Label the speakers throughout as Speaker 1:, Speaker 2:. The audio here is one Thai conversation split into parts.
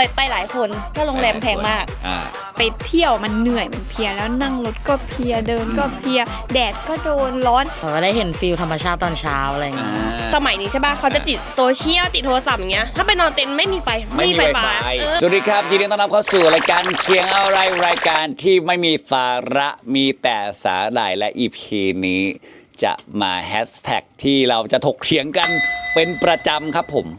Speaker 1: ไปหลายคนก็โรงแรมแพงมาก
Speaker 2: ไปเที่ยวมันเหนื่อยมันเพลียแล้วนั่งรถก็เพลียเดินก็เพลียแดดก็โดนร้อน
Speaker 3: ก็ได้เห็นฟิลธรรมชาติตอนเช้าอะไรอย่างเงี้ย
Speaker 1: สมัยนี้ใช่ป่ะเขาจะติดโซเชียลติดโทรศัพท์อย่างเงี้ยถ้าไปนอนเต็นท์ไม่มีไฟไม่มีไฟฟ้า
Speaker 4: สวัสดีครับยินดีต้อนรับเข้าสู่รายการเคียงอะไรรายการที่ไม่มีสาระมีแต่สาหร่ายและ EP นี้จะมาแฮชแท็กที่เราจะถกเถียงกันเป็นประจำครับผม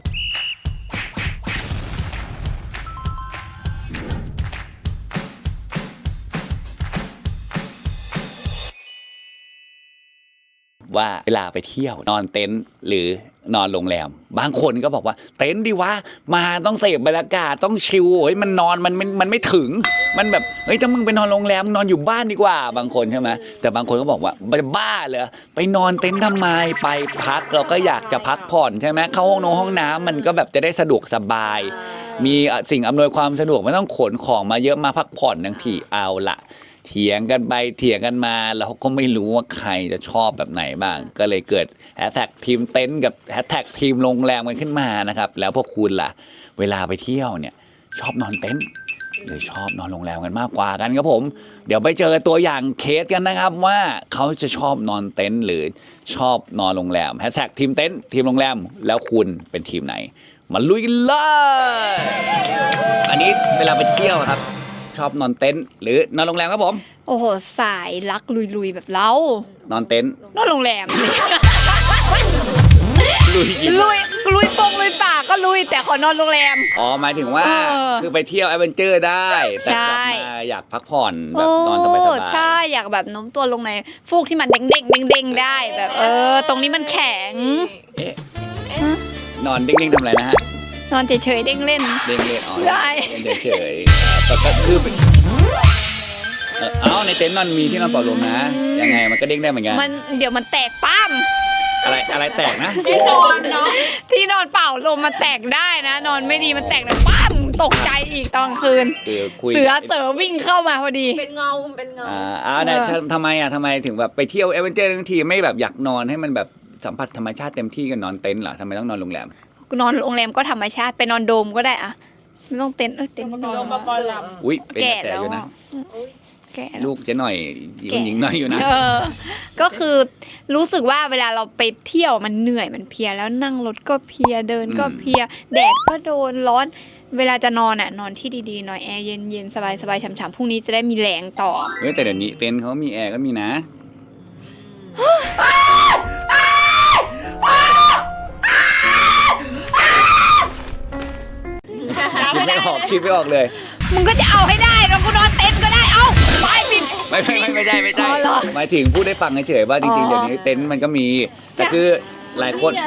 Speaker 4: ว่าเวลาไปเที่ยวนอนเต็นท์หรือนอนโรงแรมบางคนก็บอกว่าเต็นท์ดีวะมาต้องเสพบรรยากาศต้องชิลเฮ้ยมันนอนมันไม่ถึงมันแบบเฮ้ยถ้ามึงไปนอนโรงแรมนอนอยู่บ้านดีกว่าบางคนใช่ไหมแต่บางคนก็บอกว่าบ้าเลยไปนอนเต็นท์ทำไมไปพักเราก็อยากจะพักผ่อนใช่ไหมเข้าห้องน้ำมันก็แบบจะได้สะดวกสบายมีสิ่งอำนวยความสะดวกไม่ต้องขนของมาเยอะมาพักผ่อนทั้งทีเอาละเถียงกันไปเถียงกันมาแล้วก็ไม่รู้ว่าใครจะชอบแบบไหนบ้างก็เลยเกิดแฮชแท็กทีมเต็นท์กับแฮชแท็กทีมโรงแรมกันขึ้นมานะครับแล้วพวกคุณล่ะเวลาไปเที่ยวเนี่ยชอบนอนเต็นท์หรือชอบนอนโรงแรมกันมากกว่ากันครับผมเดี๋ยวไปเจอตัวอย่างเคสกันนะครับว่าเขาจะชอบนอนเต็นท์หรือชอบนอนโรงแรมแฮชแท็กทีมเต็นท์ทีมโรงแรมแล้วคุณเป็นทีมไหนมาลุยกันเลยอันนี้เวลาไปเที่ยวครับชอบนอนเต็นท์หรือนอนโรงแรมครับผม
Speaker 2: โอ้โหสายรักลุยๆแบบเรา
Speaker 4: นอนเต็นท์
Speaker 2: นอนโรงแรม
Speaker 4: ลุย
Speaker 2: ปงลุยป่าก็ลุยแต่ขอนอนโรงแรม
Speaker 4: อ๋อหมายถึงว่าคือไปเที่ยวแอดเวนเจอร์ได้แต่กลับมาอยากพักผ่อนแบบนอนสบายๆ
Speaker 2: ใช่อยากแบบโน้มตัวลงในฟูกที่มันเด้งได้แบบตรงนี้มันแข็ง
Speaker 4: นอนเด้งๆทำอะไรนะฮะ
Speaker 2: นอนเฉยๆเด้งเล่น
Speaker 4: อ๋อใช่เฉยๆแต่ก็คือในเต็นท์นอนมีที่นอนเป่าลมนะยังไงมันก็เด้งได้เหมือนกัน
Speaker 2: มันเดี๋ยวมันแตกปั้ม
Speaker 4: อะไรแตกนะ
Speaker 2: ที่นอนเนาะที่นอนเป่าลมมันแตกได้นะนอนไม่ดีมันแตกนะปั้มตกใจอีกตอนคืนเสือวิ่งเข้ามาพอดี
Speaker 1: เป็นเงา
Speaker 4: เนี่ยทำไมถึงแบบไปเที่ยวแอดเวนเจอร์ทั้งทีไม่แบบอยากนอนให้มันแบบสัมผัสธรรมชาติเต็มที่กันนอนเต็นท์เหรอทำไมต้องนอนโรงแรม
Speaker 2: นอนโรงแรมก็ธรรมชาติไปนอนโดมก็ได้อะไม่ต้องเต็นท์
Speaker 1: เต็นท์โดมประกอบลำ
Speaker 4: อุ้ยเป็นแก่อยู่นะลูกเจ๊หน่อยหญิงหน่อยอยู่นะ
Speaker 2: ก็คือรู้สึกว่าเวลาเราไปเที่ยวมันเหนื่อยมันเพลียแล้วนั่งรถก็เพลียเดินก็เพลียแดดก็โดนร้อนเวลาจะนอนนอนที่ดีๆหน่อยแอร์เย็นๆสบายๆฉ่ำๆพรุ่งนี้จะได้มีแรงต่อ
Speaker 4: แต่เดี๋ยวนี้เต็นท์เขามีแอร์ก็มีนะคิดไม่ออกเลย
Speaker 2: มึงก็จะเอาให้ได้แล้วกูนอนเต็นท์ก็ได้เอาไปปิด
Speaker 4: ไม่ใช่หมายถึงพูดได้ฟังเฉยๆว่าจริงๆเดี๋ยวนี้เต็นท์มันก็มีแต่คือหลายคน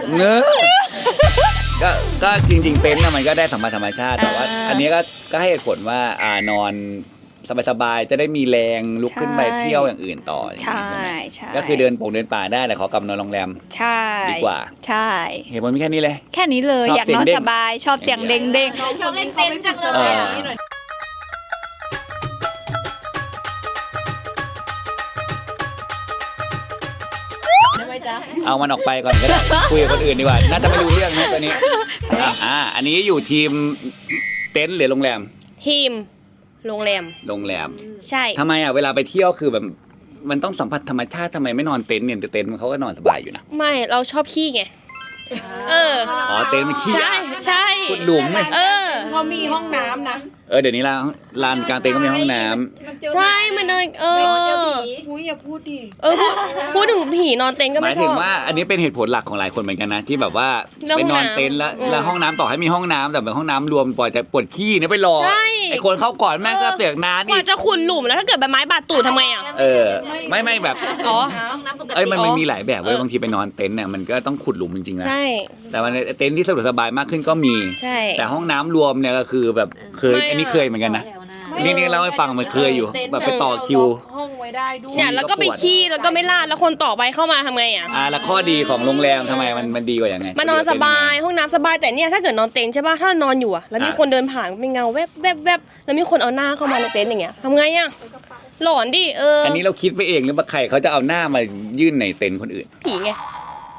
Speaker 4: ก็จริงๆเต็นท์มันก็ได้สัมผัสธรรมชาติแต่ว่าอันนี้ก็ให้เหตุผลว่านอนสบายๆจะได้มีแรงลุกขึ้นไปเที่ยวอย่างอื่นต่อ
Speaker 2: ใช่
Speaker 4: ก็คือเดินป่าได้แต่ขอกลับนอนโรงแรมดีกว่า
Speaker 2: ใช่
Speaker 4: เหตุผลมีแค่นี้เลย
Speaker 2: อยากนอนสบายชอบเตียงเด้ง
Speaker 1: ชอบเล่นเต็นท์จังเลย
Speaker 4: เอามันออกไปก่อนก็ได้คุยกับคนอื่นดีกว่าน่าจะไม่รู้เรื่องนะตอนนี้อันนี้อยู่ทีมเต็นท์หรือโรงแรม
Speaker 1: ทีมโรงแรมใช่
Speaker 4: ทำไมเวลาไปเที่ยวคือแบบมันต้องสัมผัสธรรมชาติทำไมไม่นอนเต็นท์เนี่ยเต็นท์เขาก็นอนสบายอยู่นะ
Speaker 1: ไม่เราชอบขี้ไง
Speaker 4: เต็นท์มันขี้
Speaker 1: ใช่
Speaker 4: ขุดหลุมไหม
Speaker 1: เขามีห้องน้ำนะ
Speaker 4: เดี๋ยวนี้ลานกลางเต็นท์ก็มีห้องน้
Speaker 1: ำใช่มันอย่าพูดดิพูดถึงผีนอนเต็นท์ก็ไม่ชอบ
Speaker 4: หมายถึงว่าอันนี้เป็นเหตุผลหลักของหลายคนเหมือนกันนะที่แบบว่าไปนอนเต็นท์แล้วห้องน้ำต่อให้มีห้องน้ำแต่เป็นห้องน้ำรวมปล่อยแต่ปวดขี้เนี่ยไปรอไอ้คนเข้าก่อนแม่งก็เสียงนาน
Speaker 1: กว่าจะขุดหลุมแล้วถ้าเกิดใบไม้บาดตูดทำไง
Speaker 4: ไม่แบบมันมีหลายแบบเว้ยบางทีไปนอนเต็นท์เนี่ยมันก็ต้องขุดหลุมจริงๆนะ
Speaker 1: ใช่
Speaker 4: แต่มันเต็นท์ที่สะดวกสบายมากขึ้นก็มีแต่ห้องน้ำรวมเนี่ยก็คือแบบอันนี้เคยเหมือนกันนะนี่เล่าให้ฟังมันเคยอยู่แบบไปต่อคิว
Speaker 1: ห้องไว้ได้ด้วยเนี่ยแล้วก็ไปขี้แล้วก็ไม่ลาดแล้วคนต่อไปเข้ามาทำไง
Speaker 4: แล้วข้อดีของโรงแรมทำไมมันดีกว่ายังไง
Speaker 1: มันนอนสบายห้องน้ำสบายแต่เนี่ยถ้าเกิดนอนเต็นท์ใช่ป่ะถ้านอนอยู่แล้วมีคนเดินผ่านเป็นเงาแวบแล้วมีคนเอาหน้าเข้ามาในเต็นท์อย่างเงี้ยทำไงหลอนดิ
Speaker 4: อันนี้เราคิดไปเองหรือว่าใครเขาจะเอาหน้ามายื่นในเต็นท์คนอื่น
Speaker 1: ผีไง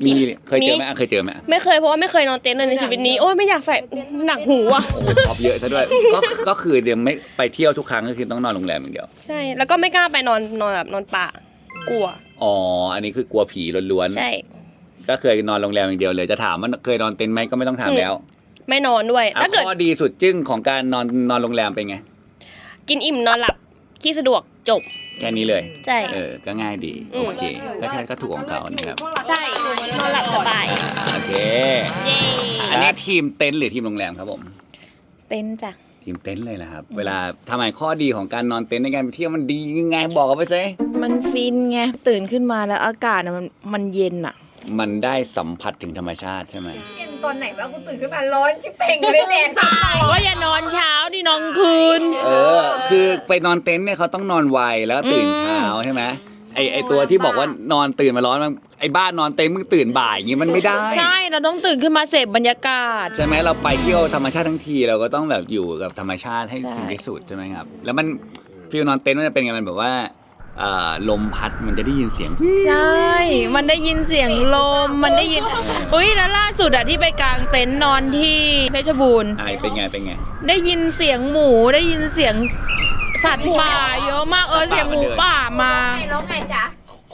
Speaker 4: มีเคยเจอไหมเคยเจอไหม
Speaker 1: ไม่เคยเพราะว่าไม่เคยนอนเต็นท์เลยในชีวิตนี้โอ้ยไม่อยากใส่หนักหูอ่ะ
Speaker 4: โอ้โหตอบเยอะซะด้วยก็คือเดี๋ยวไม่ไปเที่ยวทุกครั้งก็คือต้องนอนโรงแรมอย่างเดียว
Speaker 1: ใช่แล้วก็ไม่กล้าไปนอนแบบนอนป่ากลัว
Speaker 4: อ๋ออันนี้คือกลัวผีล้วน
Speaker 1: ใช่
Speaker 4: ๆก็เคยนอนโรงแรมอย่างเดียวเลยจะถามว่าเคยนอนเต็นท์ไหมก็ไม่ต้องถามแล้ว
Speaker 1: ไม่นอนด้วยถ้าเกิด
Speaker 4: ข้อดีสุดจึ้งของการนอนโรงแรมเป็นไง
Speaker 1: กินอิ่มนอนหลับขี้สะดวกจบ
Speaker 4: แค่นี้เลย
Speaker 1: ใช่
Speaker 4: ก็ง่ายดี
Speaker 1: อืม
Speaker 4: โอเคก็ใช่ก็ถูกของเขานะครับ
Speaker 2: ใช่นอนหลับสบาย
Speaker 4: โอเค
Speaker 1: เย้
Speaker 4: อันนี้ทีมเต็นท์หรือทีมโรงแรมครับผม
Speaker 2: เต็นท์จ้ะ
Speaker 4: ทีมเต็นท์เลยนะครับเวลาทำไมข้อดีของการนอนเต็นท์ในการไปเที่ยวมันดียังไงบอกกันไปซิ
Speaker 5: มันฟินไงตื่นขึ้นมาแล้วอากาศอะมันเย็นอะ
Speaker 4: มันได้สัมผัสถึงธรรมชาติใช่ไหม
Speaker 2: เย็นตอนไหนบ้างกูตื่นขึ้นมาร้อนชิบเป่งเลยแดดตาย
Speaker 5: ก็อย่านอนเช้าดินอนคืน
Speaker 4: คือไปนอนเต็นท์เนี่ยเขาต้องนอนไวแล้วก็ตื่นเช้าใช่ไหมไอตัวที่บอกว่านอนตื่นมาร้อนมันไอบ้านนอนเต็นท์มึงตื่นบ่ายอย่างงี้มันไม่ได้
Speaker 5: ใช่เราต้องตื่นขึ้นมาเสพบรรยากาศ
Speaker 4: ใช่ไหมเราไปเที่ยวธรรมชาติทั้งทีเราก็ต้องแบบอยู่กับธรรมชาติให้
Speaker 5: ใช่
Speaker 4: ถึงที่สุดใช่ไหมครับแล้วมันฟีลนอนเต็นท์มันจะเป็นไงมันแบบว่าลมพัดมันจะได้ยินเสียง
Speaker 5: ใช่ มันได้ยินเสียงลมมันได้ยินอุ้ยแล้วล่าสุดอะที่ไปกางเต็นท์นอนที่เพชรบูรณ์
Speaker 4: เป็นไง
Speaker 5: ได้ยินเสียงหมูได้ยินเสียงสัตว์ป่าเยอะมากเสียงหมูป่ามา
Speaker 2: ไม่ร้องไงจ๊ะ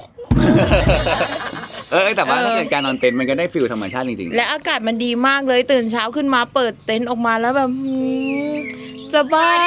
Speaker 4: แต่ว่าถ้าเกิดการนอนเต็นท์มันก็ได้ฟีลธรรมชาติจริงๆ
Speaker 5: และอากาศมันดีมากเลยตื่นเช้าขึ้นมาเปิดเต็นท์ออกมาแล้วแบบจะบ้า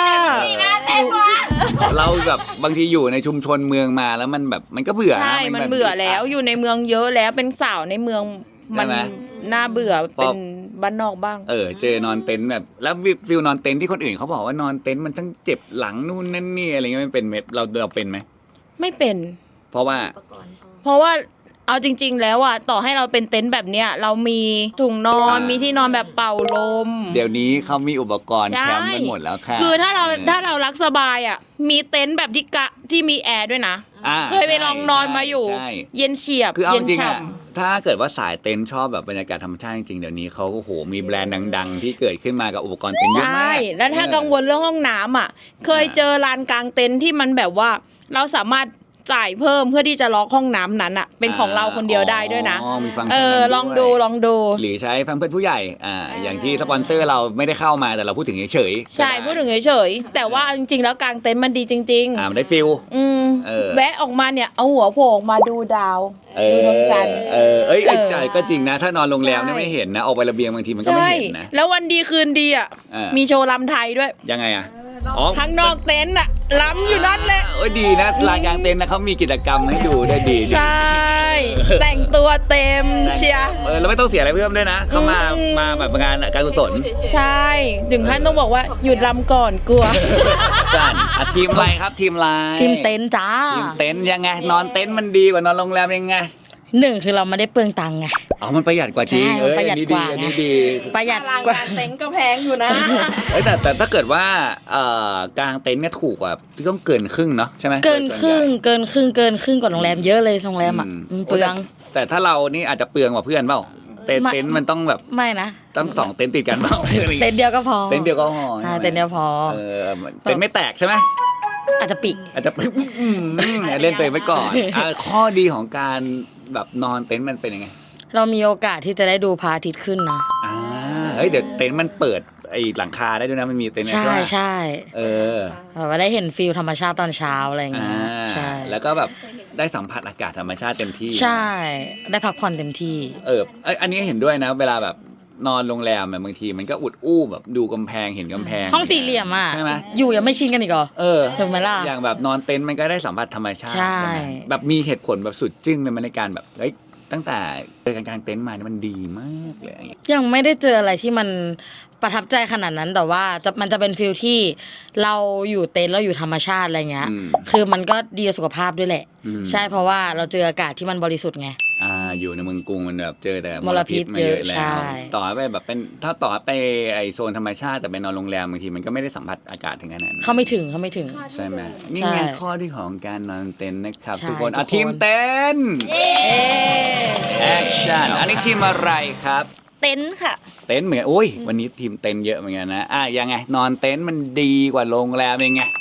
Speaker 4: เราแบบบางทีอยู่ในชุมชนเมืองมาแล้วมันแบบมันก็เบื่อนะ
Speaker 5: ใช่มัน
Speaker 4: แบบ
Speaker 5: เบื่อแล้วอยู่ในเมืองเยอะแล้วเป็นสาวในเมืองมัน
Speaker 4: ใช่ไหม
Speaker 5: น่าเบื่อ
Speaker 4: พอ
Speaker 5: เป็นบ้านนอกบ้าง
Speaker 4: เจอนอนเต็นท์แบบแล้วฟิลนอนเต็นท์ที่คนอื่นเขาบอกว่านอนเต็นท์มันทั้งเจ็บหลังนู่นนั่นนี่อะไรเงี้ยมันเป็นเม็ดเราเป็นไหม
Speaker 5: ไม่เป็น
Speaker 4: เพราะว่า
Speaker 5: เพราะว่าเอาจริง ๆ แล้วอ่ะต่อให้เราเป็นเต็นท์แบบเนี้ยเรามีถุงนอนมีที่นอนแบบเป่าลม
Speaker 4: เดี๋ยวนี้เขามีอุปกรณ์
Speaker 5: ใช่
Speaker 4: แคมป์กันหมดแล้วค่ะ
Speaker 5: คือถ้าเรารักสบายอ่ะมีเต็นท์แบบที่มีแอร์ด้วยนะ เคยไปลองนอนมาอยู่
Speaker 4: ใช่
Speaker 5: เย็นเฉียบ
Speaker 4: คือเอา
Speaker 5: เย็
Speaker 4: จ
Speaker 5: น
Speaker 4: ริงๆ
Speaker 5: ฉ่
Speaker 4: อะถ้าเกิดว่าสายเต็นท์ชอบแบบบรรยากาศธรรมชาติจริงๆเดี๋ยวนี้เขาโอ้โหมีแบรนด์ดังๆ ที่เกิดขึ้นมากับอุปกรณ์เต็นท์
Speaker 5: ำ
Speaker 4: เยอะ
Speaker 5: ใช่
Speaker 4: มาก
Speaker 5: แล้วถ้ากังวลเรื่องห้องน้ำอ่ะเคยเจอลานกลางเต็นท์ที่มันแบบว่าเราสามารถจ่ายเพิ่มเพื่อที่จะล็อกห้องน้ำนั้นอ่ะเป็นของเราคนเดียวได้ด้วยนะ
Speaker 4: มีฟังก์ชันนั้น
Speaker 5: ลองดู
Speaker 4: วย
Speaker 5: ลองดู
Speaker 4: หรือใช้แฟมเพิร์สผู้ใหญ่อย่างที่สปอนเซอร์เราไม่ได้เข้ามาแต่เราพูดถึงเฉยๆ
Speaker 5: ใช่
Speaker 4: ก็ไ
Speaker 5: พูดถึงเฉยๆแต่ว่าจริงๆแล้วกลางเต็นท์มันดีจริง
Speaker 4: มันได้ฟิล
Speaker 5: ๆ อืม
Speaker 4: เออ
Speaker 5: แวะออกมาเนี่ยเอาหัวโผล่ออกมาดูดาวดูดวงจันทร์
Speaker 4: จ่ายก็จริงนะ ถ้านอนโรงแรม
Speaker 5: ใช่
Speaker 4: เนี่ยไม่เห็นนะออกไประเบียงบางทีมันก็
Speaker 5: ใช่
Speaker 4: ไม่เห็นนะ
Speaker 5: แล้ววันดีคืนดีอ่ะ
Speaker 4: เออ
Speaker 5: มีโชว์ลำไทยด้วย
Speaker 4: ยังไงอ่ะอ๋อ
Speaker 5: ข้างนอกเต็นท์อ่ะล้ำอยู่นั่นแหละ
Speaker 4: ดีนะลานกลางเต็นท์นะเขามีกิจกรรมให้ดูได้ดี
Speaker 5: ใช่ แต่งตัวเต็มเชียร์
Speaker 4: เราไม่ต้องเสียอะไรเพิ่มด้วยนะเขามาแบบงานการกุศล
Speaker 5: ใช่ถึงขั้นต้องบอกว่าหยุดลำก่อนกลัว
Speaker 4: กันทีมอะไรครับทีมอะไร
Speaker 3: ทีมเต็นท์จ้า
Speaker 4: ทีมเต็นท์ยังไงนอนเต็นท์มันดีกว่านอนโรงแรมยังไง
Speaker 3: หนึ่งคือเราไม่ได้เปลืองตังค์ไง
Speaker 4: อ๋อมันประหยัดกว่าจริง
Speaker 3: ใช่มันประหยัดกว่า
Speaker 4: อัน
Speaker 3: ไง
Speaker 4: นี้ดี
Speaker 3: ประหยัดกว่า
Speaker 5: เต็นท์ก็แพงอยู่นะ
Speaker 4: แต่ถ้าเกิดว่ากลางเต็นท์เนี่ยถูกกว่าต้องเกินครึ่งเนาะใช่ไหม
Speaker 3: เกินครึ่งกว่าโรงแรมเยอะเลยโรงแรมอ่ะเปลือง
Speaker 4: แต่ถ้าเรานี่อาจจะเปลืองกว่าเพื่อนเปล่าเต็นท์มันต้องแบบ
Speaker 3: ไม่นะ
Speaker 4: ต้องสองเต็นท์ติดกันเปล่า
Speaker 3: เต็นท์เดียวก็พอ
Speaker 4: เต็นท์เดียวก็พอ
Speaker 3: ใช่เต็นท์เดียวพอ
Speaker 4: เต็นท์ไม่แตกใช่ไหม
Speaker 3: อาจจะปิด
Speaker 4: อาจจะเล่นตัวเองไว้ก่อนข้อดีของการแบบนอนเต็นท์มันเป็นยังไง
Speaker 3: เรามีโอกาสที่จะได้ดูพระอาทิตย์ขึ้นนะ
Speaker 4: เดี๋ยวเต็นท์มันเปิดไอ้หลังคาได้ด้วยนะมันมีเต็นท์
Speaker 3: ใช่
Speaker 4: ไหม
Speaker 3: ใช่
Speaker 4: แบบ
Speaker 3: ว่าได้เห็นฟิลธรรมชาติตอนเช้าอะไรอย่างเงี้ยใช่
Speaker 4: แล้วก็แบบได้สัมผัสอากาศธรรมชาติเต็มที่
Speaker 3: ใช่ ได้พักผ่อนเต็มที่
Speaker 4: อันนี้เห็นด้วยนะเวลาแบบนอนโรงแรมบางทีมันก็อุดอู้แบบดูกำแพงเห็นกำแพง
Speaker 3: ห้องสี่เหลี่ยมอ่ะ
Speaker 4: ใช่ไหม
Speaker 3: อยู่ยังไม่ชินกันอีกเหรอ ถูกไหมล่ะ
Speaker 4: อย่างแบบนอนเต็นท์มันก็ได้สัมผัสธรรมชาติ
Speaker 3: ใช่
Speaker 4: ไหมแบบมีเหตุผลแบบสุดจึ้งเลยมันในการแบบตั้งแต่เจอการกางเต็นท์มาเนี่ยมันดีมากเลยอย่างเงี้ย
Speaker 3: ยังไม่ได้เจออะไรที่มันประทับใจขนาดนั้นแต่ว่ามันจะเป็นฟิลที่เราอยู่เต็นท์เราอยู่ธรรมชาติอะไรเงี้ย คือมันก็ดีต่อสุขภาพด้วยแหละ ใช่เพราะว่าเราเจออากาศที่มันบริสุทธิ์ไง
Speaker 4: อยู่ในเมืองกรุงมันแบบเจอแต่
Speaker 3: มลพิษ
Speaker 4: มาเยอะแล้
Speaker 3: ใช่
Speaker 4: วต่อไปแบบเป็นถ้าต่อไปไอโซนธรรมชาติแต่ไปนอนโรงแรมบางทีมันก็ไม่ได้สัมผัสอากาศถึงขนาดนั้น
Speaker 3: เขาไม่ถึง
Speaker 4: ใช่ไหมนี่
Speaker 3: ใช่
Speaker 4: ไงข้อที่ของการนอนเต็นท์นะครับ
Speaker 3: ใช่
Speaker 4: ทุกคน
Speaker 3: ทุกคน
Speaker 4: ทีมเต็นท์แอคชั่นอันนี้ทีมอะไรครับ
Speaker 2: เต็นท์ค่ะ
Speaker 4: เต็นท์เหมือนวันนี้ทีมเต็นท์เยอะเหมือนกันนะยังไงนอนเต็นท์มันดีกว่าโรงแรมยังไง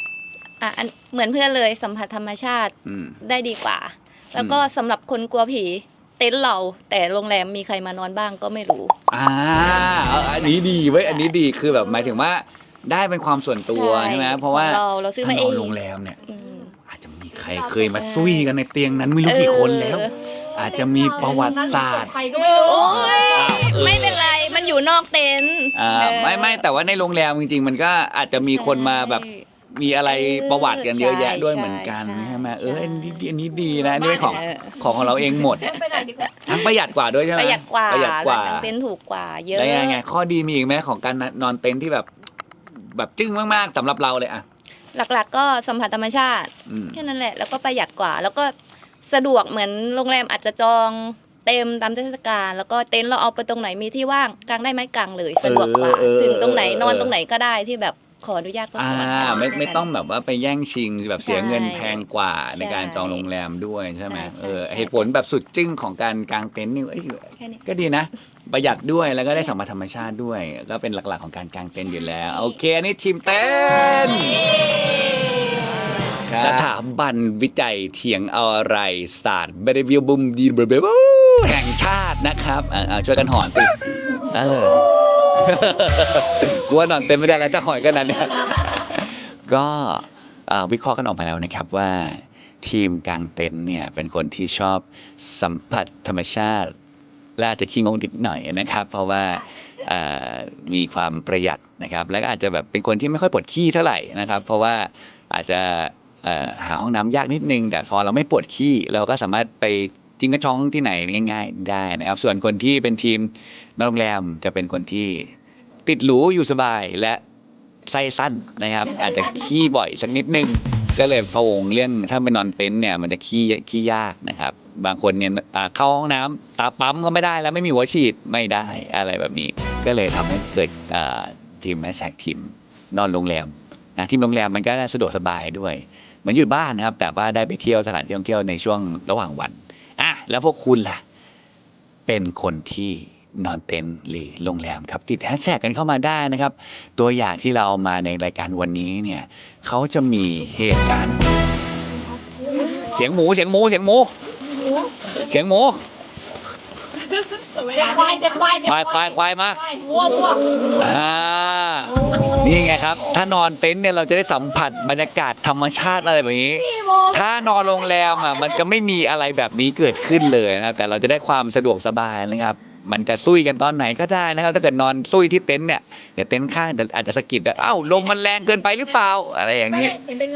Speaker 6: เหมือนเพื่อนเลยสัมผัสธรรมชาติได้ดีกว่า แล้วก็สำหรับคนกลัวผีเต็นท์เราแต่โรงแรมมีใครมานอนบ้างก็ไม่รู้
Speaker 4: อันนี้ดีเว้ยอันนี้ดีคือแบบหมายถึงว่าได้เป็นความส่วนตัวใช่ไหมเพราะว่า
Speaker 6: เราซื้อ
Speaker 4: ถ้า
Speaker 6: มาเอน
Speaker 4: อน
Speaker 6: ง
Speaker 4: โรงแรมเนี่ย
Speaker 6: อืม
Speaker 4: อาจจะมีใครเคยมาซุยกันในเตียงนั้นไม่รู้กี่คนแล้ว อาจจะมีประวัติศาสตร์
Speaker 2: ใครก็ไม่รู้
Speaker 6: โอ้ย
Speaker 4: อ้าว
Speaker 6: ไม่เป็นไรมันอยู่นอกเต็นท์
Speaker 4: ไม่แต่ว่าในโรงแรมจริงๆ มันก็อาจจะมีคนมาแบบมีอะไรประวัติกันเยอะแยะด้วยเหมือนกันใช่ไหมอันนี้ดีนะนี่เป็นของเราเองหมดทั้งประหยัดกว่าด้วยใช่ไหม
Speaker 6: ประหยัดกว่า
Speaker 4: ประหยัดกว่า
Speaker 6: ร้นกางเต็นท์ถูกกว่าเยอะ
Speaker 4: แล้วยังไงข้อดีมีอีกไหมของการนอนเต็นท์ที่แบบจึ้งมากๆสำหรับเราเลยอะ
Speaker 6: หลักๆก็สัมผัสธรรมชาติ
Speaker 4: อืม
Speaker 6: แค่นั้นแหละแล้วก็ประหยัดกว่า แล้วก็สะดวกเหมือนโรงแรมอาจจะจองเต็มตามเทศกาลแล้วก็เต็นท์เราเอาไปตรงไหนมีที่ว่างกางได้ไหมกางเลยสะดวกกว่าถึงตรงไหนนอนตรงไหนก็ได้ที่แบบขออนุญาตก็ขอ
Speaker 4: ไม่ต้องแบบว่าไปแย่งชิงแบบเสียเงินแพงกว่า
Speaker 6: ใช่
Speaker 4: ในการจองโรงแรมด้วยใช่ไหม
Speaker 6: ใช่ใช่
Speaker 4: เหตุผลแบบสุดจึ้งของการกางเต็นท์นี่เอ้ย
Speaker 6: แค่นี้
Speaker 4: ก็ดีนะ ประหยัดด้วยแล้วก็ได้สัมผัสธรรมชาติด้วย ก็เป็นหลักๆของการกางเต็นท์อยู่แล้ว โอเคอันนี่ทีมเต้นสถาบันวิจัยเถียงอะไรศาสตร์เบรวิวบุมดีเบรวิวแห่งชาตินะครับช่วยกันหอนสิกูว่านอนเต็มไม่ได้แล้วจะหอยกันนั้นเนี่ยก็วิเคราะห์กันออกมาแล้วนะครับว่าทีมกางเต็นท์เนี่ยเป็นคนที่ชอบสัมผัสธรรมชาติและอาจจะขี้งงนิดหน่อยนะครับ เพราะว่ามีความประหยัดนะครับและก็อาจจะแบบเป็นคนที่ไม่ค่อยปวดขี้เท่าไหร่นะครับ เพราะว่าอาจจะหาห้องน้ำยากนิดนึงแต่พอเราไม่ปวดขี้เราก็สามารถไปจิ้งกระช้องที่ไหนง่ายๆได้นะครับส่วนคนที่เป็นทีมนอนโรงแรมจะเป็นคนที่ติดหรูอยู่สบายและไส้สั้นนะครับ อาจจะขี้บ่อยสักนิดนึงก็เลยพะวงเรื่องถ้าไปนอนเต็นท์เนี่ยมันจะขี้ยากนะครับบางคนเนี่ยเข้าห้องน้ำตาปั๊มก็ไม่ได้แล้วไม่มีหัวฉีดไม่ได้อะไรแบบนี้ก็เลยทำให้เกิดทีมแมสแท็กทีมนอนโรงแรมนะทีมโรงแรมมันก็สะดวกสบายด้วยเหมือนอยู่บ้านนะครับแต่ว่าได้ไปเที่ยวสถานที่ท่องเที่ยวในช่วงระหว่างวันแล้วพวกคุณล่ะเป็นคนที่นอนเต็นท์หรือโรงแรมครับติดแฮชแท็กกันเข้ามาได้นะครับตัวอย่างที่เราเอามาในรายการวันนี้เนี่ยเขาจะมีเหตุการณ์เสียงหมูควายมานี่ไงครับถ้านอนเต็นท์เนี่ยเราจะได้สัมผัสบรรยากาศธรรมชาติอะไรแบบนี้ถ้านอนโรงแรมมันจะไม่มีอะไรแบบนี้เกิดขึ้นเลยนะแต่เราจะได้ความสะดวกสบายนะครับมันจะซุยกันตอนไหนก็ได้นะครับถ้าเกิดนอนซุยที่เต็นท์เนี่ยเดี๋ยวเต็นท์ข้างอาจจะสะกิดลมมันแรงเกินไปหรือเปล่าอะไรอย่างนี้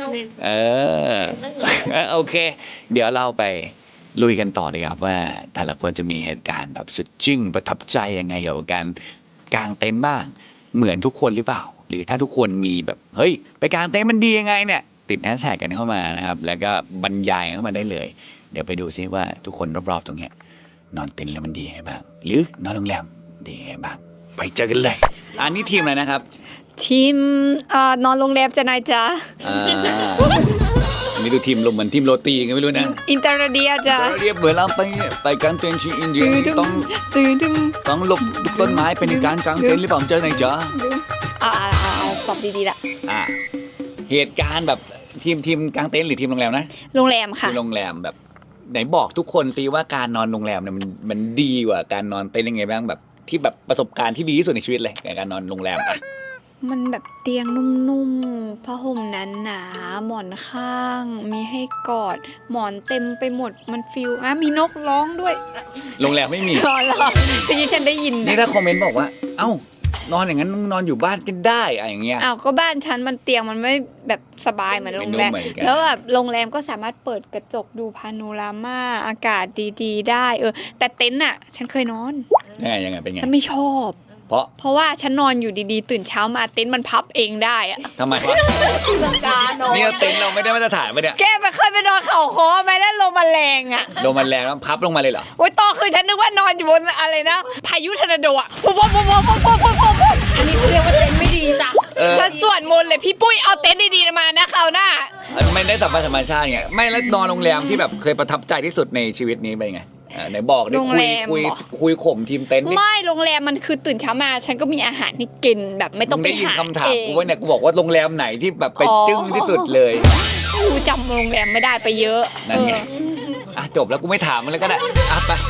Speaker 4: โอเคเดี๋ยวเราไปลุยกันต่อเลยครับว่าแต่ละคนจะมีเหตุการณ์แบบสุดจึ้งประทับใจยังไงเกี่ยวกับการกางเต็นท์บ้างเหมือนทุกคนหรือเปล่าหรือถ้าทุกคนมีแบบเฮ้ยไปกางเต็นท์มันดียังไงเนี่ยติดแฮชแท็กกันเข้ามานะครับแล้วก็บรรยายเข้ามาได้เลยเดี๋ยวไปดูซิว่าทุกคนรอบๆตรงเนี้ยนอนเต็นท์แล้วมันดียังไงบ้างหรือนอนโรงแรมดียังไงบ้างไปเจอกันเลยอันนี้ทีมอะไรนะครับ
Speaker 2: ทีมนอนโรงแรมจะนายจ๊ะ
Speaker 4: อันนี้ดูทีมลมเหมือนทีมโรตีกันไม่รู้นะ
Speaker 2: อินเตอร์เดียจ้ะ
Speaker 4: เรียบเหมือนเราไปกางเต็นท์ที่อินเดียต้องหลบต้นไม้เป็นการกางเต็นท์หรือเปล่าเจอไหนจ๊ะ
Speaker 2: ตอบดีๆละ
Speaker 4: เหตุการณ์แบบทีมกางเต็นท์หรือทีมโรงแรมนะ
Speaker 2: โรงแรมค่ะ
Speaker 4: ทีมโรงแรมแบบไหนบอกทุกคนสิว่าการนอนโรงแรมเนี่ยมันดีกว่าการนอนเต็นท์ยังไงบ้างแบบที่แบบประสบการณ์ที่ดีที่สุดในชีวิตเลยในการนอนโรงแรม
Speaker 2: มันแบบเตียงนุ่มๆผ้าห่มหนาๆหมอนข้าง มีให้กอดหมอนเต็มไปหมดมันฟิลมีนกร้องด้วย
Speaker 4: โรงแรมไม่มี
Speaker 2: รอทีนี้ฉันได้ยิน
Speaker 4: นี่ถ้าคอมเมนต์บอกว่าเอ้านอนอย่างนั้นนอนอยู่บ้านก็ได้อย่างเงี้ย
Speaker 2: ก็บ้านฉันมันเตียงมันไม่แบบสบายเหมือนโรงแรม
Speaker 4: ไม่นุ่มเหมือนกัน
Speaker 2: แล้วแบบโรงแรมก็สามารถเปิดกระจกดูพาโนรามาอากาศดีๆได้แต่เต็นท์ฉันเคยนอน
Speaker 4: ยังไงเป็นไง
Speaker 2: ฉันไม่ชอบ
Speaker 4: เพราะ
Speaker 2: ว่าฉันนอนอยู่ดีๆตื่นเช้ามาเต็นท์มันพับเองได้อะ
Speaker 4: ทำไมวะนี่เต็นท์เราไม่ได้มาตรฐานปะเนี่ย
Speaker 2: แกไปเคยไปนอนเขาคอไหมแล้วลมมันแรงอะ
Speaker 4: ลมมันแรงแล้วพับลงมาเลยเหรอ
Speaker 2: โอ๊ยต่อคือฉันนึกว่านอนอยู่บนอะไรนะพายุทอร์นาโดอะปุ๊บอันนี้เขาเรียกว่าเต็นท์ไม่ดีจ้ะฉันสวดมนต์เลยพี่ปุ้ยเอาเต็นท์ดีๆมานะคราวหน้า
Speaker 4: ไม่ได้สัมผัสธรรมชาติไงไม่แล้วนอนโรงแรมที่แบบเคยประทับใจที่สุดในชีวิตนี้เป็นไงไหนบอกได้คุยข่มทีมเต็นท์นี่
Speaker 2: ไม่โรงแรมมันคือตื่นเช้ามาฉันก็มีอาหารให้กินแบบไม่ต้องไป
Speaker 4: ได้ยิน
Speaker 2: หา
Speaker 4: คำถาม
Speaker 2: เอง
Speaker 4: กูว่าเนี่ยกูบอกว่าโรงแรมไหนที่แบบไปจึ้งที่สุดเลย
Speaker 2: ไม่รู้จำโรงแรมไม่ได้ไปเยอะ
Speaker 4: นั่นไงจบแล้วกูไม่ถามมันแล้วก็ได้ไป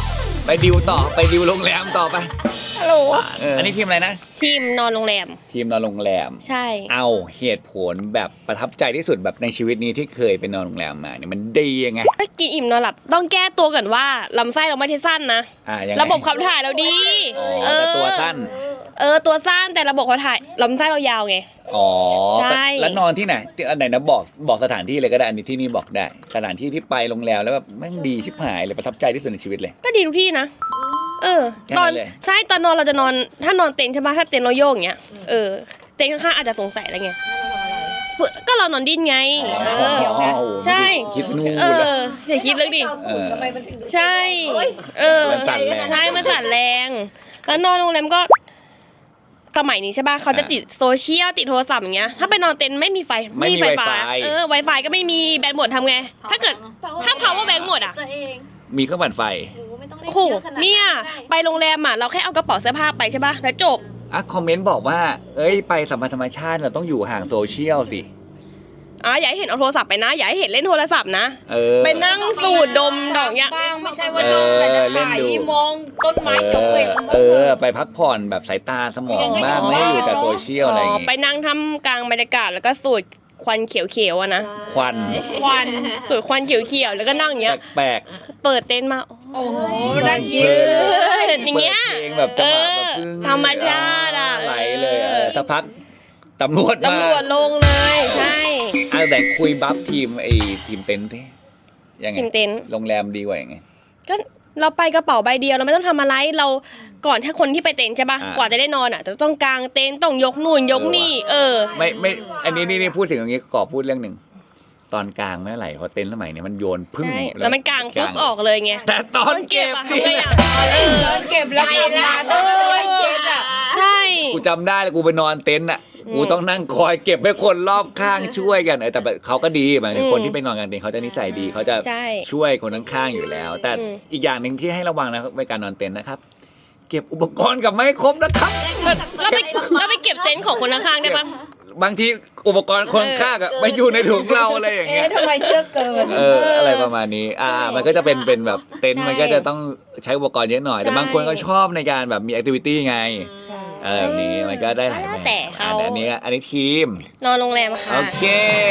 Speaker 4: ไปดิวต่อไปดิวโรงแรมต่อไป
Speaker 1: ฮัลโหล
Speaker 4: อันนี้ทีมอะไรนะ
Speaker 1: ทีมนอนโรงแรม
Speaker 4: ทีมนอนโรงแรม
Speaker 1: ใช่
Speaker 4: เอาเหตุผลแบบประทับใจที่สุดแบบในชีวิตนี้ที่เคยไปนอนโรงแรมมาเนี่ยมันดียังไง
Speaker 1: ถ้ากินอิ่มนอนหลับต้องแก้ตัวก่อนว่าลำไส้เราไม่ใช่สั้นนะ
Speaker 4: ยังไง
Speaker 1: ระบบขับถ่ายเราดี
Speaker 4: อ๋อแต่ตัวสั้น
Speaker 1: ตัวสั้นแต่ระบบขับถ่ายลำไส้เรายาวไง
Speaker 4: อ๋อ
Speaker 1: ใช่
Speaker 4: แล้วนอนที่ไหนที่อันไหนนะบอกสถานที่เลยก็ได้อันนี้ที่นี่บอกได้สถานที่ที่ไปโรงแรมแล้วแบบแม่งดีชิบหายเลยประทับใจที่สุดในชีวิตเลย
Speaker 1: ก็ดีทุกที่นะ
Speaker 4: แค่นั้นเลย
Speaker 1: ใช่ตอนนอนเราจะนอนถ้านอนเต็นท์ใช่ปะถ้าเต็นท์เราโยกอย่างเงี้ยเต็นท์ข้างๆอาจจะสงสัยอะไรเงี้ยก็เรานอนดิ้นไงใช่
Speaker 4: คิดนู่น
Speaker 1: อย่าคิดลึกดิ ใช่
Speaker 4: มันสั่นแรง
Speaker 1: ใช่มันสั่นแรง แล้วนอนโรงแรมก็สมัยนี้ใช่ป่ะเขาจะติดโซเชียลติดโทรศัพท์อย่างเงี้ย ถ้าไปนอนเต็นท์ไม่มีไฟ
Speaker 4: ไม่มี
Speaker 1: ฟ้า
Speaker 4: Wi-Fi
Speaker 1: Wi-Fi ก็ไม่มีแบตหมดทำไง ถ้าเกิดถ้า power bank หมดอ่ะ
Speaker 4: มีเครื่องปั่นไฟ
Speaker 1: โอ้โหเนี่ยไปโรงแรมอ่ะเราแค่เอากระเป๋าเสื้อผ้าไปใช่ป่ะแล้วจบ
Speaker 4: คอมเมนต์บอกว่าเอ้ยไปสัมพันธ์ธรรมชาติเราต้องอยู่ห่างโซเชียลสิ
Speaker 1: อย่าให้เห็นเอาโทรศัพท์ไปนะ อย่าให้เห็นเล่นโทรศัพท์นะ ไปนั่งสูดดมดอกยา
Speaker 5: บ้างไม่ใช่ว่าจ้องแต่จะถ่ายมองต้นไม้เขียวเขว
Speaker 4: ไปพักผ่อนแบบสายตาสมองบ้างไม่ให้อยู่แต่โซเชียลอะไรอย่าง
Speaker 1: ไป
Speaker 4: งี้
Speaker 1: นั่งทำกลางบรรยากาศแล้วก็สูดควันเขียวๆอะนะ
Speaker 4: ควัน
Speaker 1: สูดควันเขียวๆแล้วก็นั่งอย่างเงี้ย
Speaker 4: แปลก
Speaker 1: เปิดเต็นท์มา
Speaker 5: โอ้โห
Speaker 4: ๆ
Speaker 5: น่าคิด
Speaker 1: อย่างเงี้ย
Speaker 4: ปิดเพลงแบบจังหวะแบบพึ่ง
Speaker 1: ธรรมชาติอะ
Speaker 4: ไหลเลยสักพักตำรวจมา
Speaker 1: ตำรวจลงเลยใช่
Speaker 4: แต่คุยบัฟทีมทีมเต็นท์ดิยังไง
Speaker 1: ทีมเต็นท์
Speaker 4: โรงแรมดีกว่ายังไง
Speaker 1: ก็เราไปกระเป๋าใบเดียวเราไม่ต้องทำอะไรเราก่อนถ้าคนที่ไปเต็นท์ใช่ป่ะ
Speaker 4: อ่าก
Speaker 1: ว่าจะได้นอนอ่ะต้องกางเต็นท์ต้องยกนู่นยกนี่
Speaker 4: ไม่อันนี้นี่พูดถึงอย่างนี้ขอพูดเรื่องหนึ่งตอนกลางไม่ไหลเพราะเต็นท์สมัยเนี้ยมันโยนพึ่ง
Speaker 1: ใช่แล้วมันกางฟึกออกเลยไง
Speaker 4: แต่ตอนเก็บ
Speaker 1: อะ
Speaker 4: นี่
Speaker 1: ทำไงอะ
Speaker 5: เก็บแล้วกลับมาต้องไปเช็ดอ่ะ
Speaker 1: ใช่
Speaker 4: กูจำได้เลยกูไปนอนเต็นท์อ่ะกูต้องนั่งคอยเก็บให้คนรอบข้างช่วยกันแต่แบบเขาก็ดีหมายถึงคนที่ไปนอนกันเต็นท์เขาจะนิสัยดีเขาจะ
Speaker 1: ใช่
Speaker 4: ช่วยคนข้างๆอยู่แล้ว แต่
Speaker 1: อืม
Speaker 4: อีกอย่างหนึ่งที่ให้ระวังนะในการนอนเต็นท์นะครับ เก็บอุปกรณ์กลับไม่ครบนะครับ
Speaker 1: เราไปเก็บเต็นท์ของคนข้างๆได้ปะ
Speaker 4: บางทีอุปกรณ์คนข้างๆอะไม่อยู่ในถุงเราอะไรอย่างเงี้ย
Speaker 5: ทำไมเชื่อเกิน
Speaker 4: อะไรประมาณนี้มันก็จะเป็นแบบเต็นท์มันก็จะต้องใช้อุปกรณ์เยอะหน่อยแต่บางคนก็ชอบในการแบบมีแอคทิวิตี้ไงแบบนี้มันก็ได้หลายแบบ
Speaker 1: แต่เขา
Speaker 4: อันนี้ทีม
Speaker 1: นอนโรงแรมค่ะ
Speaker 4: โอเค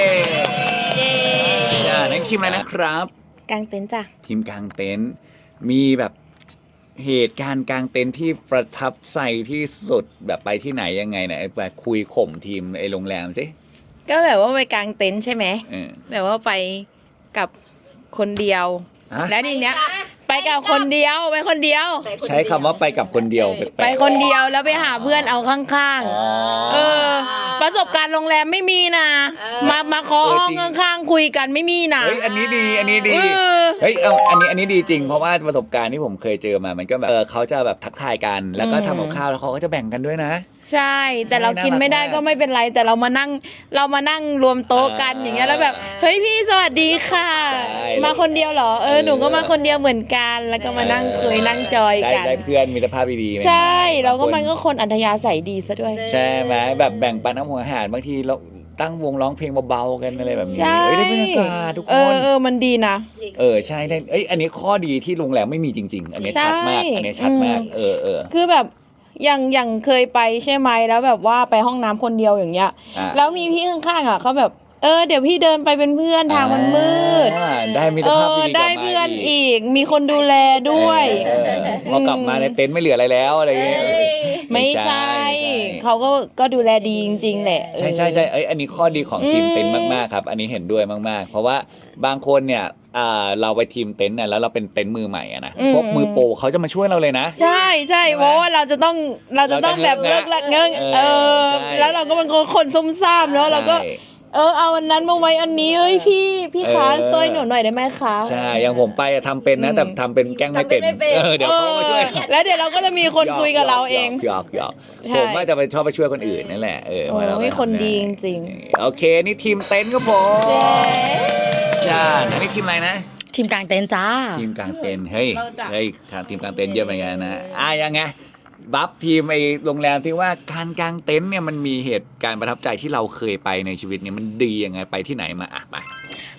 Speaker 4: นั่นทีมอะไรนะครับ
Speaker 1: กางเต็นท์จ้ะ
Speaker 4: ทีมกลางเต็นท์มีแบบเหตุการณ์กลางเต็นท์ที่ประทับใจที่สุดแบบไปที่ไหนยังไงเนี่ยแบบคุยข่มทีมโรงแรมสิ
Speaker 5: ก็แบบว่าไปกางเต็นท์ใช่ไหม
Speaker 4: เออ
Speaker 5: แบบว่าไปกับคนเดียว
Speaker 4: ฮะ
Speaker 5: แล้วทีเนี้ยไปกับคนเดียวไปคนเดียว
Speaker 4: ใช้คำว่าไปกับคนเดียวแปลกๆ
Speaker 5: ไปคนเดียวแล้วไปหาเพื่อนเอาข้าง
Speaker 4: อ๋อ
Speaker 5: ๆประสบการณ์โรงแรมไม่มีนะมาเคาะห้อง
Speaker 4: จริง
Speaker 5: ข้างๆคุยกันไม่มีนะ
Speaker 4: เฮ้ยอันนี้ดีอันนี้ดี
Speaker 5: เออ
Speaker 4: เฮ้ยอันนี้ดีจริงเพราะว่าประสบการณ์ที่ผมเคยเจอมามันก็แบบเขาจะแบบทักทายกันแล้วก็ทำกับข้าวแล้วเขาก็จะแบ่งกันด้วยนะ
Speaker 5: ใช่ แต่เรากินไม่ได้
Speaker 4: น่ารักมาก
Speaker 5: ก็ไม่เป็นไร แต่เรามานั่งรวมโต๊ะกันอย่างเงี้ยแล้วแบบเฮ้ยพี่สวัสดีค่ะ
Speaker 4: ใช่
Speaker 5: มาคนเดียวเหรอหนูก็มาคนเดียวเหมือนกันแล้วก็มานั่งคุยนั่งจอยกัน
Speaker 4: ได้เพื่อนมิตรภาพดีๆ
Speaker 5: ใช่
Speaker 4: บาง
Speaker 5: เราก็
Speaker 4: ค
Speaker 5: มันก็คนอัธยาศัยดีซะด้วย
Speaker 4: ใช่ไหมแบบแบ่งปันน้ำหัวอาหารบางทีเราตั้งวงร้องเพลงเบาๆกันอะไรแบบนี้
Speaker 5: ใช่
Speaker 4: เฮ้ยได้บรรยากาศทุกคน
Speaker 5: มันดีนะ
Speaker 4: ใช่ได้อันนี้ข้อดีที่โรงแรมไม่มีจริง ๆ อันนี้
Speaker 5: ใช่
Speaker 4: ชัดมากอันนี้ชัดมาก
Speaker 5: คือแบบอย่างเคยไปใช่ไหมแล้วแบบว่าไปห้องน้ำคนเดียวอย่างเงี้ย
Speaker 4: อ่ะ
Speaker 5: แล้วมีพี่ข้างๆอ่ะเขาแบบเดี๋ยวพี่เดินไปเป็นเพื่อนทางมันมืด
Speaker 4: ได้มิตรภาพดีๆ
Speaker 5: ได้
Speaker 4: กลับมา
Speaker 5: เพื่อนอีก มีคนดูแลด้วย
Speaker 4: พอกลับมาในเต็นท์ไม่เหลืออะไรแล้วอะไรอย่างเงี้ย
Speaker 5: ไม่ใช่เขาก็ดูแลดีจริงๆแหละ
Speaker 4: ใช่อันนี้ข้อดีของทีมเต็นท์มากๆครับอันนี้เห็นด้วยมากๆ เพราะว่าบางคนเนี่ยเราไปทีมเต็นท์เนี่ยแล้วเราเป็นเต็นท์มือใหม่อะนะพวกมือโปรเขาจะมาช่วยเราเลยนะ
Speaker 5: ใช่เพราะว่าเราจะต้องแบบเลิกละเงิง
Speaker 4: ใช่
Speaker 5: แล้วเราก็เป็นคนซุ่มซ่ามเนาะเราก็
Speaker 4: ใช่
Speaker 5: เอาอันนั้นมาไว้อันนี้เฮ้ยพี่คะช่วยหนูหน่อยได้ไหมคะ
Speaker 4: ใช่อย่างผมไปทำเป็นนะแต่ทำเป็นแกล้งไม่เป็นเดี๋ยวเขามาช่วย
Speaker 5: แล้วเดี๋ยวเราก็จะมีคนคุยกับเราเอง
Speaker 4: หยอก
Speaker 5: ใช่
Speaker 4: ผมว่าจะไปชอบไปช่วยคนอื่นนั่นแหละว่าเรา
Speaker 5: โอ้ยคนดีจริง
Speaker 4: โอเคนี่ทีมเต็นท์ครับผม
Speaker 5: เจ๊
Speaker 4: จ้าอันนี้ทีมอะไรนะ
Speaker 3: ทีมกลางเต็นท์จ้า
Speaker 4: ทีมกลางเต็นท์เฮ้ยทีมกลางเต็นท์เยอะเหมือนกันนะยังไงบัฟทีมโรงแรมที่ว่าการกางเต็นท์เนี่ยมันมีเหตุการณ์ประทับใจที่เราเคยไปในชีวิตเนี่ยมันดียังไงไปที่ไหนมาไป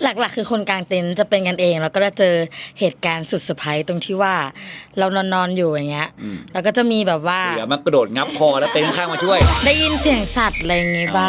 Speaker 3: หลักๆคือคนกลางเต็นท์จะเป็นกันเองแล้วก็จะเจอเหตุการณ์สุดเซอร์ไพรส์ตรงที่ว่าเรานอนอยู่อย่างเงี้ยแล้วก็จะมีแบบว่า
Speaker 4: เสือมันกระโดดงับคอแล้วเต็นท์ข้างมาช่วย
Speaker 3: ได้ยินเสียงสัตว์อะไรอย่างงี้บ้าง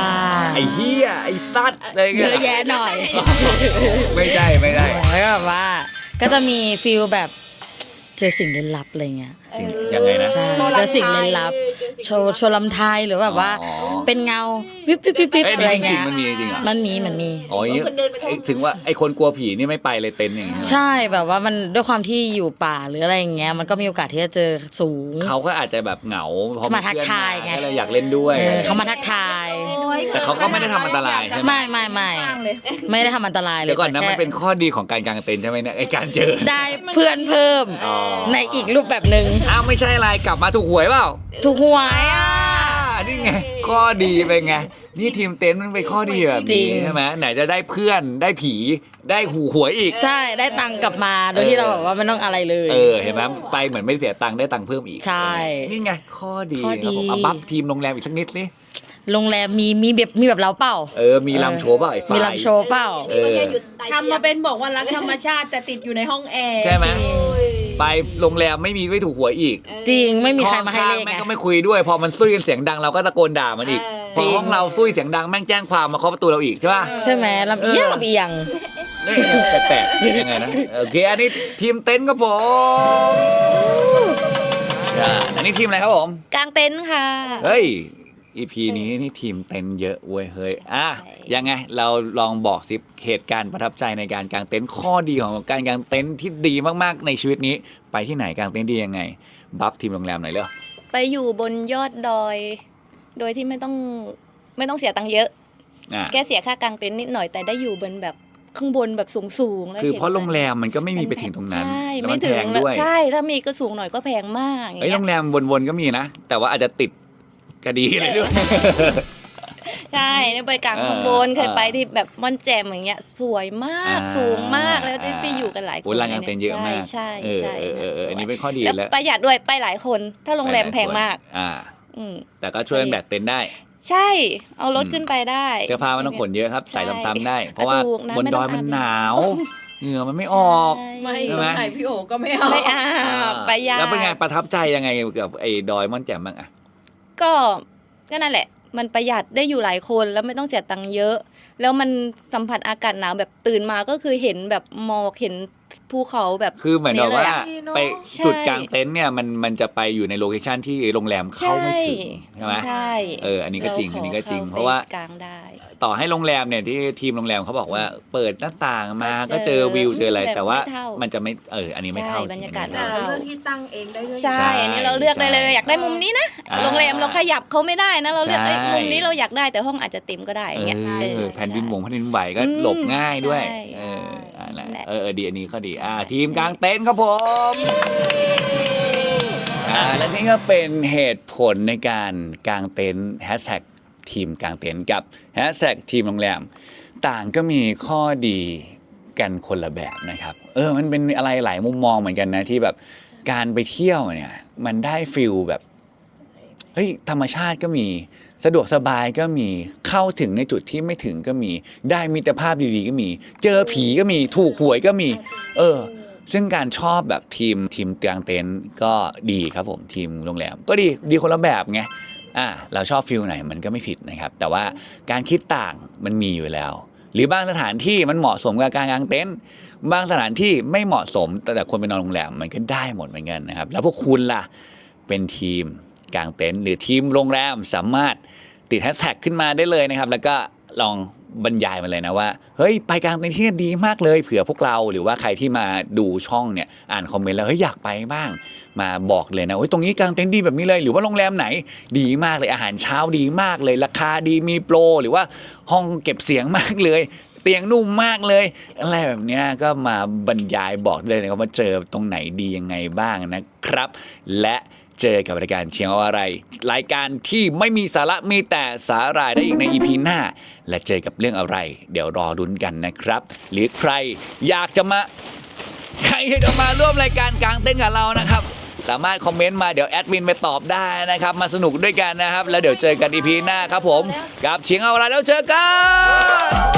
Speaker 4: ไอ้เหี้ยไอ้ตัดอะไร
Speaker 3: เย
Speaker 4: เงี้ย
Speaker 3: อะแยะหน่อย
Speaker 4: ไม่ได้
Speaker 3: แล้วก็แบบว่าก็จะมีฟีลแบบเจอสิ่งลึกลับอะไรเงี้ย
Speaker 4: ยังไงนะ
Speaker 3: ใช่เจอสิ่งลึกลับโชว์ลำไทยหรือแบบว่า
Speaker 4: อ๋อ
Speaker 3: เป็นเงาวิบวิบวิบวิบ
Speaker 4: เอ้ย
Speaker 3: อะไร
Speaker 4: จริ
Speaker 3: เงี้
Speaker 4: ง
Speaker 3: ย
Speaker 4: ๆมันมีจริงเหรอ
Speaker 3: มันมี
Speaker 4: อ๋ออย่างงี้ถึงว่าไอ้คนกลัวผีนี่ไม่ไปเลยเต็นท์อย่างเงี้ย
Speaker 3: ใช่แบบว่ามันด้วยความที่อยู่ป่าหรืออะไรอย่างเงี้ยมันก็มีโอกาสที่จะเจอสูง
Speaker 4: เขาก็อาจจะแบบเหงาเพราะ
Speaker 3: มาทักทายไง
Speaker 4: ก็เลยอยากเล่นด้วย
Speaker 3: เขามาทักทาย
Speaker 4: แต่เขาก็ไม่ได้ทำอันตรายใช่ไหม
Speaker 3: ไม่ได้ทำอันตรายเลย
Speaker 4: เดี๋ยวก่อนนะ
Speaker 3: แต่
Speaker 4: มัน
Speaker 3: แค่
Speaker 4: เป็นข้อดีของการกางเต็นท์ใช่ไหมเนี่ยไอ้การเจอ
Speaker 3: ได้เพื่อนเพิ่ม
Speaker 4: อ๋อ
Speaker 3: ในอีกรูปแบบหนึ่ง
Speaker 4: อ้าวไม่ใช่อะไรกลับมาถูกหวยเปล่า
Speaker 3: ถูกหวยอ่ะ
Speaker 4: นี่ไงข้อดีเป็นไงนี่ทีมเต็นท์มันเป็นข้อดีแบบ
Speaker 3: จริ
Speaker 4: นี้
Speaker 3: ง
Speaker 4: ใช่ไหมไหนจะได้เพื่อนได้ผีได้หวยอีก
Speaker 3: ใช่ได้ตังค์กลับมาโดยที่เราแบบว่าไม่ต้องอะไรเลย
Speaker 4: เห็นไหมไปเหมือนไม่เสียตังค์ได้ตังค์เพิ่มอีก
Speaker 3: ใช่
Speaker 4: นี่ไงข้อดี
Speaker 3: ข้อดี
Speaker 4: ครับผมเอาบัฟทีมโรงแรมอีกสักนิดสิ
Speaker 3: โรงแรมมีแบบเราเปล่า
Speaker 4: มีลำโชว์เปล่าไอ้ฝ่าย
Speaker 3: มีลำโชว์เปล่า
Speaker 5: ทำมาเป็นบอกว่ารักธรรมชาติแต่ติดอยู่ในห้องแอร์
Speaker 4: ใช่ไหมไปโรงแรมไม่ถูกหวยอีก
Speaker 3: จริงไม่มีใครมาให้เลข
Speaker 4: แม่
Speaker 3: ไง
Speaker 4: งก็ไม่คุยด้วยพอมันซุ้ยกันเสียงดังเราก็ตะโกนด่ามันอีกพ
Speaker 3: จริ
Speaker 4: อง ห้องเราซุ้ยเสียงดังแม่งแจ้งความมาเคาะประตูเราอีกใช่ป่ะ
Speaker 3: ใช่ไหมลำเอียงลำเอียง
Speaker 4: นี่แปลกๆยังไงนะโอเคอันนี้ทีมเต็นท์ครับผมอันนี้ทีมอะไรครับผม
Speaker 6: กลางเต็นท์ค่ะ
Speaker 4: เฮ้ย EP นี้นี่ทีมเต็นท์เยอะเว้ยเฮ้ยยังไงเราลองบอกสิเหตุการณ์ประทับใจในการกางเต็นท์ข้อดีของการกางเต็นท์ที่ดีมากๆในชีวิตนี้ไปที่ไหนกางเต็นท์ดียังไงบัฟทีมโรงแรมหน่อยเร็ว
Speaker 6: ไปอยู่บนยอดดอย โดยที่ไม่ต้องเสียตังค์เยอะ แค่เสียค่ากางเต็นท์นิดหน่อยแต่ได้อยู่บนแบบข้างบนแบบสูงๆแล้ว
Speaker 4: คือ
Speaker 6: ห็น
Speaker 4: เพราะโรงแรมมันก็ไม่มีไปถึงตรงนั้น
Speaker 6: ใช่
Speaker 4: แล้ว
Speaker 6: ไม่
Speaker 4: มัน
Speaker 6: ถึ
Speaker 4: แพ
Speaker 6: ง
Speaker 4: งด้วย
Speaker 6: ใช่ถ้ามีก็สูงหน่อยก็แพงมากอย่าง
Speaker 4: เอ้ย
Speaker 6: เงี้
Speaker 4: โร
Speaker 6: ย
Speaker 4: งแรมวนๆก็มีนะ แต่ว่าอาจจะติดคดีอะไรด้วย
Speaker 6: ใช่ไปกลางข้างบนเคยไปที่แบบม่อนแจ่มอย่างเงี้ยสวยมากสูงมากแล้วได้ไปอยู่กันหลายคน
Speaker 4: โอ้ยร้านกางเต็นท์เยอะมาก
Speaker 6: ใช่
Speaker 4: เอออันนี้เป็นข้อดี
Speaker 6: แล้ว
Speaker 4: แล้ว
Speaker 6: ประหยัดด้วยไปหลายคน ถ้าโรงแรมแพงมาก อืม
Speaker 4: แต่ก็ช่วยกันแบกเต็นท์ได้
Speaker 6: ใช่เอารถขึ้นไปได้
Speaker 4: เสื้อผ้าไม่ต้องขนเยอะครับ
Speaker 6: ใช่
Speaker 4: ใส่ซ้ำๆได้ เพราะว่า
Speaker 6: ถูกนะ
Speaker 4: บน
Speaker 6: ไม่
Speaker 4: ด
Speaker 6: ต้
Speaker 4: อ
Speaker 6: อย ง
Speaker 4: มัน
Speaker 6: อาบ
Speaker 4: หนาวเหงื่อมันไม่ออก
Speaker 5: ไม่
Speaker 4: ใช่ไหม
Speaker 5: ไหนพี่โอก็ไม่เอา
Speaker 6: ไม่อาบประหยัด
Speaker 4: แล้วเป็นไงประทับใจยังไงกับไอ้ดอยม่อนแจ่มบ้างอะ
Speaker 6: ก็นั่นแหละ มันประหยัดได้อยู่หลายคนแล้วไม่ต้องเสียตังค์เยอะ แล้วมันสัมผัสอากาศหนาวแบบตื่นมาก็คือเห็นแบบหมอกเห็นภูเขาแบบ
Speaker 4: คือเหมือนกับว่า
Speaker 5: นี่เลยอะ
Speaker 4: ไป
Speaker 6: ใช่
Speaker 4: จุดกลางเต็นท์เนี่ยมันจะไปอยู่ในโลเคชันที่โรงแรมเข้าไม่ถึงใช่ไหม
Speaker 6: ใช่
Speaker 4: อันนี้ก็จริง
Speaker 6: ข
Speaker 4: อันนี้ก็จริง
Speaker 6: ข้
Speaker 4: เพราะว่า
Speaker 6: ไปกลางได้
Speaker 4: ต่อให้โรงแรมเนี่ยที่ทีมโรงแรมเขาบอกว่าเปิดหน้าต่างมา
Speaker 6: ก็
Speaker 4: ก็เจอวิวเจออะไร
Speaker 6: แบบ
Speaker 4: แต่ว่า
Speaker 6: ไม่เท่ามั
Speaker 4: มันจะไม่อันนี้ไม่เท่า
Speaker 6: ใช่บรรยากาศ
Speaker 4: จงๆ
Speaker 6: ไม่
Speaker 5: เลือกที่ตั้งเองได้ด้วย
Speaker 6: ใช่ อันนี้เราเลือกได้เลยอยากได้มุมนี้นะ โรงแรมเราขยับเขาไม่ได้นะ เราเลือก
Speaker 4: ใช่
Speaker 6: มุมนี้เราอยากได้แต่ห้องอาจจะเต็มก็ได้อย่างเงี้ย
Speaker 4: แผ่นดินไหวก็
Speaker 6: อืม
Speaker 4: หลบง่ายด้วย
Speaker 6: ใช่
Speaker 4: นั่นแหละ
Speaker 6: นั่นแหละ
Speaker 4: ดีอันนี้ก็ดีทีมกลางเต็นท์ครับผมและนี่ก็เป็นเหตุผลในการกางเต็นท์แฮชแท็กทีมกลางเต็นท์กับแฮชแท็กทีมโรงแรมต่างก็มีข้อดีกันคนละแบบนะครับมันเป็นอะไรหลายมุมมองเหมือนกันนะที่แบบการไปเที่ยวเนี่ยมันได้ฟิลแบบเฮ้ยธรรมชาติก็มีสะดวกสบายก็มีเข้าถึงในจุดที่ไม่ถึงก็มีได้มิตรภาพดีๆก็มีเจอผีก็มีถูกหวยก็มีซึ่งการชอบแบบทีมกลางเต็นท์ก็ดีครับผมทีมโรงแรมก็ดีคนละแบบไงเราชอบฟิลไหนมันก็ไม่ผิดนะครับแต่ว่าการคิดต่างมันมีอยู่แล้วหรือบางสถานที่มันเหมาะสมกับการกางเต็นท์บางสถานที่ไม่เหมาะสมแต่คนไปนอนโรงแรมมันก็ได้หมดเหมือนกันนะครับแล้วพวกคุณล่ะเป็นทีมกางเต็นท์หรือทีมโรงแรมสามารถติดแฮชแท็กขึ้นมาได้เลยนะครับแล้วก็ลองบรรยายมาเลยนะว่าเฮ้ยไปกางเต็นท์ที่นี่ดีมากเลยเผื่อพวกเราหรือว่าใครที่มาดูช่องเนี่ยอ่านคอมเมนต์แล้วเฮ้ยอยากไปบ้างมาบอกเลยนะตรงนี้กางเต็นท์ดีแบบนี้เลยหรือว่าโรงแรมไหนดีมากเลยอาหารเช้าดีมากเลยราคาดีมีโปรหรือว่าห้องเก็บเสียงมากเลยเตียงนุ่มมากเลยอะไรแบบนี้ก็มาบรรยายบอกเลยนะครับว่าเจอตรงไหนดียังไงบ้างนะครับและเจอกับรายการเชียงเอาอะไรรายการที่ไม่มีสาระมีแต่สาหร่ายได้อีกใน EP หน้าและเจอกับเรื่องอะไรเดี๋ยวรอรุ้นกันนะครับหรือใครอยากจะมาร่วมรายการกลางเต็นท์กับเรานะครับสามารถคอมเมนต์มาเดี๋ยวแอดมินไปตอบได้นะครับมาสนุกด้วยกันนะครับแล้วเดี๋ยวเจอกัน EP หน้าครับผมกับเชียงเอาอะไรแล้วเจอกัน